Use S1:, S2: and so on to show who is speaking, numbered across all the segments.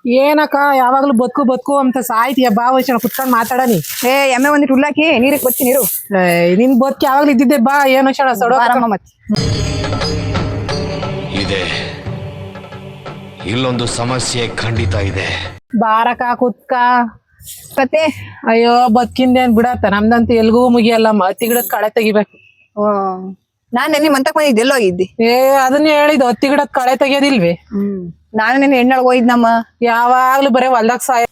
S1: ಏನಕ್ಕ ಯಾವಾಗ್ಲೂ ಬದುಕು ಬದುಕು ಅಂತ ಸಾಯ್ತೀಯ ಬಾ ವೈಶಾಲ ಕುತ್ಕೊಂಡ್ ಮಾತಾಡನಿ.
S2: ಎಮ್ಮೆ ಒಂದಿಟ್ಟು ಉಳ್ಳಾಕಿ ನೀರಿಗೆ ಬಚ್ಚಿ ನೀರು.
S1: ನಿನ್ ಬದುಕು ಯಾವಾಗ್ಲೂ ಇದ್ದಿದ್ದೆ ಬಾ ಏನು ವೈಶಾಲ ಸೊಡೋ
S2: ಮತ್ತೆ
S3: ಇದೆ ಇಲ್ಲೊಂದು ಸಮಸ್ಯೆ ಖಂಡಿತ ಇದೆ.
S1: ಬಾರಕ ಕುತ್ಕ.
S2: ಕತೆ
S1: ಅಯ್ಯೋ ಬದುಕಿಂದೇನ್ ಬಿಡತ್ತ ನಮ್ದಂತೂ ಎಲ್ಗೂ ಮುಗಿಯಲ್ಲ ಹತ್ತಿ ಗಿಡದ್ ಕಳೆ ತೆಗಿಬೇಕು.
S2: ನಾನ್ ನೆನ್ನೆ ಮಂತಕ್ ಬಂದಿದ್ದೆ ಎಲ್ಲೋ ಹೋಗಿದ್ದಿ?
S1: ಅದನ್ನೇ ಹೇಳಿದ್ ಹತ್ತಿ ಗಿಡದ್ ಕಳೆ ತೆಗಿಯೋದಿಲ್ವಿ.
S2: ನಾನು ನೆನ್ನೆ ಹೆಣ್ಣೊಳಗ್ ಹೋಗಿದ್ನಮ್ಮ.
S1: ಯಾವಾಗ್ಲೂ ಬರೇ ಹೊಲ್ದಾಗ ಸಾಯ.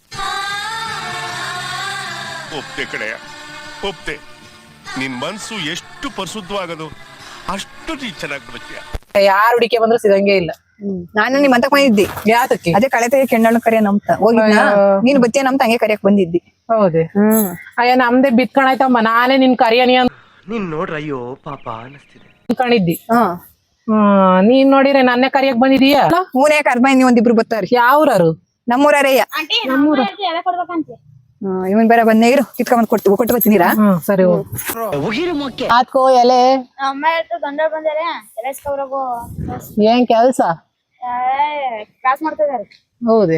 S4: ಒಪ್ತೆ ಕಡೆಯ ಒಪ್ತೆ. ನಿನ್ ಮನ್ಸು ಎಷ್ಟು ಪರಿಶುದ್ಧವಾಗದು ಅಷ್ಟು ನೀ ಚೆನ್ನಾಗಿ ಬಿಡ್ತೀಯ.
S1: ಯಾರು ಹುಡಿಕೆ ಬಂದ್ರು ಸಿಗಂಗೆ ಇಲ್ಲ.
S2: ನಾನು ನಿಮ್ ಮಂತಕ್ ಬಂದಿದ್ದಿ.
S1: ಯಾತಕ್ಕೆ?
S2: ಅದೇ ಕಳೆ ತೆಗಿ ಹೆಣ್ಣಳು ಕರಿಯ ನಮ್ತ ಹೋಗಿದ್ನ. ನೀನ್ ಬಚ್ಚೆ ನಮ್ತ ಹಂಗೆ ಕರಿಯಕ್ ಬಂದಿದ್ದಿ.
S1: ಹೌದೇ? ಅಯ್ಯ ನಮ್ದೇ ಬಿತ್ಕಣಾಯ್ತಮ್ಮ ನಾನೇ ನಿನ್ ಕರಿಯನಿ ಅಂತ
S5: ನೀನ್ ನೋಡ್ರ ಅಯ್ಯೋ ಪಾಪ ಅನಿಸ್ತಿದೆ
S1: ಅನ್ಕೊಂಡಿದ್ದಿ. ನೀನ್ ನೋಡಿದ್ರೆ ನನ್ನೇ ಕರಿಯಕ್ ಬಂದಿದೀಯ.
S2: ಮೂರೇ ಕರ್ಮ ನೀವ್ ಒಂದಿಬ್ರು ಬರ್ತಾರಿ.
S1: ಯಾವ್ರಾರು?
S2: ನಮ್ಮೂರಯ್ಯ. ಇವನ್ ಬೇರೆ ಬಂದೇ ಇರು ಕಿತ್ಕೊಂಡ್ ಕೊಟ್ಟು ಬರ್ತೀನಿರಾ.
S1: ಸರಿ ಆತ್ಕೋ ಎಲೆ
S6: ಅಮ್ಮ ಹೇಳ್ತು ಗಂಡ ಬಂದಾರೆ ಎಲೆಸ್ಕವ್ರಗು
S1: ಏನ್ ಕೆಲ್ಸ?
S6: ಕ್ಲಾಸ್ ಮಾಡ್ತಾ ಇದಾರೆ.
S1: ಹೌದೇ?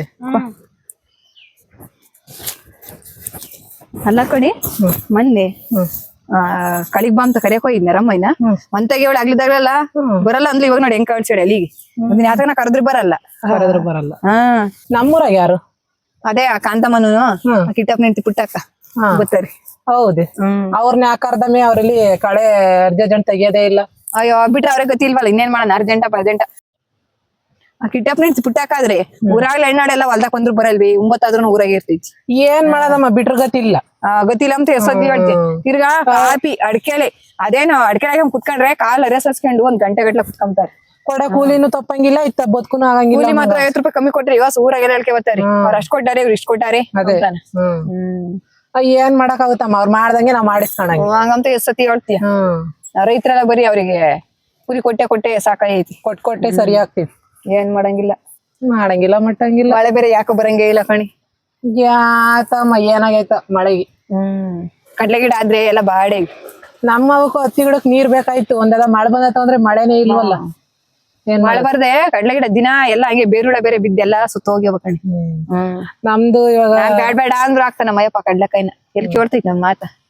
S2: ಅಲ್ಲ ಕಣಿ ಮೊನ್ನೆ ಕಳಿಗ್ ಬಾ ಅಂತ ಕರಿಯಕ್ ಹೋಗಿದ್ನ ರಮ್ಮಯ್ಯನ. ಮಂತಾಗಿ ಅವಳು ಆಗ್ಲಿದಾಗಲ್ಲ ಬರಲ್ಲ ಅಂದ್ಲಿ. ಇವಾಗ ನೋಡಿ ಹೆಂಗ್ ಕಳ್ಸಿಡಿ ಅಲ್ಲಿಗೆ. ಒಂದಿನ ಯಾತನ ಕರೆದ್ರು ಬರಲ್ಲ.
S1: ಕರೆದ್ರು ಬರಲ್ಲ.
S2: ಹಾ
S1: ನಮ್ಮೂರಾಗ ಯಾರು?
S2: ಅದೇ ಆ ಕಾಂತಮ್ಮನು ಕಿಟ್ಟಪ್ಪ ನಿಂತಿ ಪುಟ್ಟಕ್ಕ ಗೊತ್ತಾರಿ.
S1: ಹೌದೇ? ಅವ್ರನ್ನ ಯಾಕರ್ದಮ್ಮಿ ಅವ್ರಲ್ಲಿ ಕಳೆ ಅರ್ಜೆಂಟ್ ತೆಗಿಯೋದೇ ಇಲ್ಲ.
S2: ಅಯ್ಯೋ ಬಿಟ್ರೆ ಅವ್ರಿಗೆ ಗೊತ್ತಿ ಇಲ್ವಲ್ಲ ಇನ್ನೇನ್ ಮಾಡೋಣ. ಅರ್ಜೆಂಟ ಆ ಕಿಟ್ಟಪ್ಪ ನಿಂತಿ ಪುಟ್ಟಕ್ಕಾದ್ರೆ ಊರಾಗ್ಲ ಹೆಣ್ಣಾಡೆಲ್ಲ ಹೊಲ್ದಾಗ ಬಂದ್ರು ಬರಲ್ವಿ. 9 ಆದ್ರೂ ಊರಾಗ ಇರ್ತೈತಿ.
S1: ಏನ್ ಮಾಡದಮ್ಮ ಬಿಟ್ರ ಗತಿಲ್ಲ.
S2: ಗೊತ್ತಿಲ್ಲ ಅಂತ ಎಷ್ಟೊತ್ತಿ ಹೇಳ್ತಿ. ತಿರ್ಗಾ ಕಾಪಿ ಅಡ್ಕೆಲೆ ಅದೇನು ಅಡ್ಕೆಲೆ ಕುತ್ಕೊಂಡ್ರೆ ಕಾಲ್ ಅರೆಸ್ಕೊಂಡು 1 ಗಂಟೆ ಗಟ್ಲೆ ಕುತ್ಕೊಂತಾರೆ.
S1: ಕೊಡ ಕೂಲಿನೂ ತಪ್ಪಂಗಿಲ್ಲ ಇತ್ತ ಬದುಕುನು ಆಗಂಗಿಲ್ಲ.
S2: ಕೂಲಿ ಮಾತ್ರ 50 ರೂಪಾಯಿ ಕಮ್ಮಿ ಕೊಟ್ರಿ ಇವಾಗ ಊರಾಗ ಹೇಳ್ಕೆ ಬರ್ತಾರೆ. ಅವ್ರು ಅಷ್ಟ್ ಕೊಟ್ಟಾರೆ ಇವ್ರು ಇಷ್ಟ ಕೊಟ್ಟಾರೆ.
S1: ಅದೇ ಏನ್ ಮಾಡಕ್ ಆಗುತ್ತಮ್ಮ ಅವ್ರು ಮಾಡ್ದಂಗೆ ನಾವ್ ಮಾಡಿಸ್ಕೊಂಡಂಗೆ.
S2: ಹಂಗಂತ ಎಷ್ಟೊತ್ತಿ ಹೇಳ್ತೀಯ. ರೈತರೆಲ್ಲ ಬರೀ ಅವ್ರಿಗೆ ಕೂಲಿ ಕೊಟ್ಟೆ ಸಾಕಾಗೈತಿ.
S1: ಕೊಟ್ಟೆ ಸರಿ ಆಗ್ತಿವಿ.
S2: ಏನ್ ಮಾಡಂಗಿಲ್ಲ
S1: ಮಟ್ಟಂಗಿಲ್ಲ.
S2: ಮಳೆ ಬೇರೆ ಯಾಕೋ ಬರಂಗೇ ಇಲ್ಲ ಕಣಿ.
S1: ಯಾಕಮ್ಮ ಏನಾಗೈತ ಮಳೆಗೆ.
S2: ಕಡ್ಲೆ ಗಿಡ ಆದ್ರೆ ಎಲ್ಲ ಬಾಡೆ.
S1: ನಮ್ಮ ಅವಕ್ಕೂ ಹತ್ತಿ ಗಿಡಕ್ ನೀರ್ ಬೇಕಾಯ್ತು. ಒಂದೆಲ್ಲ ಮಳೆ ಬಂದತ್ತ ಅಂದ್ರೆ ಮಳೆನೇ ಇಲ್ವಲ್ಲ.
S2: ಮಳೆ ಬರ್ದೆ ಕಡ್ಲೆ ಗಿಡ ದಿನ ಎಲ್ಲ ಹಂಗೆ ಬೇರುಳ ಬೇರೆ ಬಿದ್ದೆಲ್ಲ ಸುತ್ತ ಹೋಗ್ಯವ ಕಣಿ.
S1: ನಮ್ದು ಇವಾಗ
S2: ಬೇಡ ಅಂದ್ರು ಆಗ್ತಾನ ಮಯಪ್ಪ ಕಡ್ಲೆಕಾಯಿನ ಎಲ್ಲಿ ಕೇಳ್ತೈತಿ ನಮ್ ಮಾತ.